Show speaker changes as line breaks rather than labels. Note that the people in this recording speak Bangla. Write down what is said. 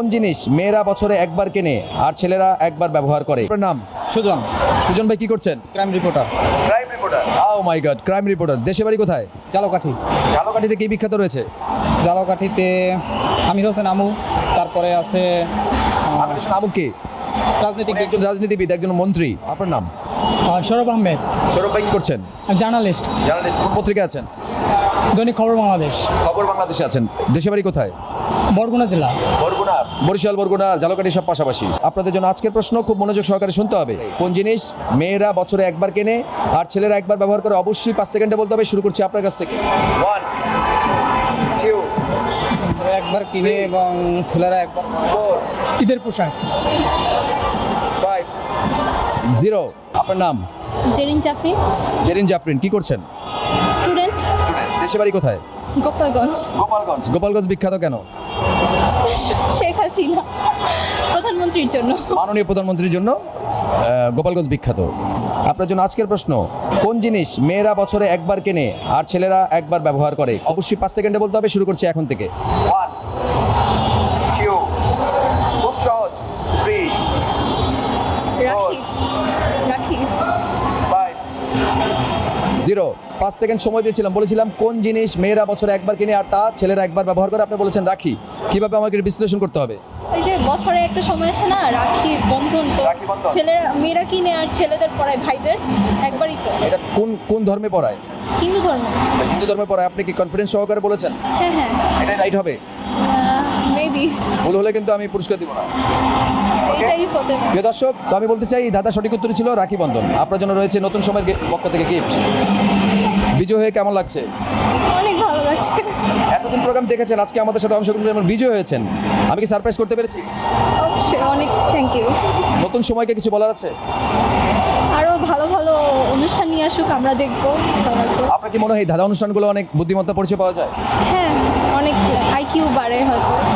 কোন জিনিস মেয়েরা বছরে একবার কেনে আর ছেলেরা একবার ব্যবহার করে? আপনার নাম?
সুজন,
সুজন ভাই কি করছেন?
Crime reporter,
crime reporter. Oh my god, crime reporter. দেশে বাড়ি কোথায়?
জালকাঠি।
ঝালকাঠিতে কি বিখ্যাত রয়েছে?
জালকাঠিতে আমির হোসেন আমু, তারপরে আছে
আমুক কি?
রাজনীতিক
একজন রাজনীতিবিদ, একজন মন্ত্রী। আপনার নাম?
সৌরভ আহমেদ,
সৌরভ ভাই কি করছেন?
Journalist,
journalist. কোন পত্রিকা আছেন?
দৈনিক খবর বাংলাদেশ।
খবর বাংলাদেশে আছেন। দেশে বাড়ি কোথায়?
বরগুনা জেলা।
বরগুনা, বরিশাল, বরগুনা, ঝালকাঠি সব পাশাপাশি। আপনাদের জন্য আজকের প্রশ্ন খুব মনোযোগ সহকারে শুনতে হবে। কোন জিনিস মেয়েরা বছরে একবার কেনে আর ছেলেরা একবার ব্যবহার করে? অবশ্যই 5 সেকেন্ডে বলতে হবে। শুরু করছি আপনার কাছ থেকে। 1 2
একবার কিনে এবং ছেলেরা একবার
4
ঈদের পোশাক।
5 0। আপনার নাম?
জেরিন জাফরিন,
জেরিন জাফরিন। কি করছেন?
স্টুডেন্ট,
দেশে বাড়ি কোথায়?
গোপালগঞ্জ।
গোপালগঞ্জ। গোপালগঞ্জ বিখ্যাত কেন?
শেখ হাসিনা প্রধানমন্ত্রীর জন্য।
মাননীয় প্রধানমন্ত্রীর জন্য গোপালগঞ্জ বিখ্যাত। আপনার জন্য আজকের প্রশ্ন, কোন জিনিস মেয়েরা বছরে একবার কেনে আর ছেলেরা একবার ব্যবহার করে? অবশ্যই 5 সেকেন্ডে বলতে হবে। শুরু করছি এখন থেকে। 1 2 খুব সহজ। 3
রাখি, রাখি।
5 0। 5 সেকেন্ড সময় দিয়েছিলাম, বলেছিলাম কোন জিনিস মেয়েরা বছরে একবার কিনে আর তা ছেলেরা একবার ব্যবহার করে। আপনি বলেছেন রাখি। কিভাবে আমাকে এটা বিশ্লেষণ করতে হবে?
ওই যে বছরে একটা সময় আসে না, রাখি বন্ধন, তো
রাখি বন্ধন।
ছেলেরা মেয়েরা কিনে আর ছেলেদের পড়ায় ভাইদের, একবারই তো।
এটা কোন কোন ধর্মে পড়ায়?
হিন্দু ধর্মে।
হিন্দু ধর্মে পড়ায়। আপনি কি কনফিডেন্স সহকারে বলেছেন?
হ্যাঁ হ্যাঁ,
এটাই রাইট হবে?
মেবি
ভুল হলে কিন্তু আমি পুরস্কার দিব না।
এটাই হতে পারে।
প্রিয় দর্শক, তো আমি বলতে চাই দাদা সঠিক উত্তর ছিল রাখি বন্ধন। আপনার জন্য রয়েছে নতুন সময়ের পক্ষ থেকে গিফট। বিজয় হয়ে কেমন লাগছে?
অনেক ভালো লাগছে।
এতদিন প্রোগ্রাম দেখেছেন, আজকে আমাদের সাথে অংশগ্রহণ করে বিজয় হয়েছেন। আমি কি সারপ্রাইজ করতে পেরেছি?
অবশ্যই, অনেক থ্যাংক ইউ।
নতুন সময়কে কিছু বলার আছে?
আরও ভালো ভালো অনুষ্ঠান নিয়ে আসুক, আমরা দেখবো, ভালো লাগবে।
আপনার কি মনে হয় এই দাদা অনুষ্ঠানগুলো অনেক বুদ্ধিমত্তা পরিচয় পাওয়া যায়?
হ্যাঁ, অনেক আইকিউ বাড়ে হয়তো।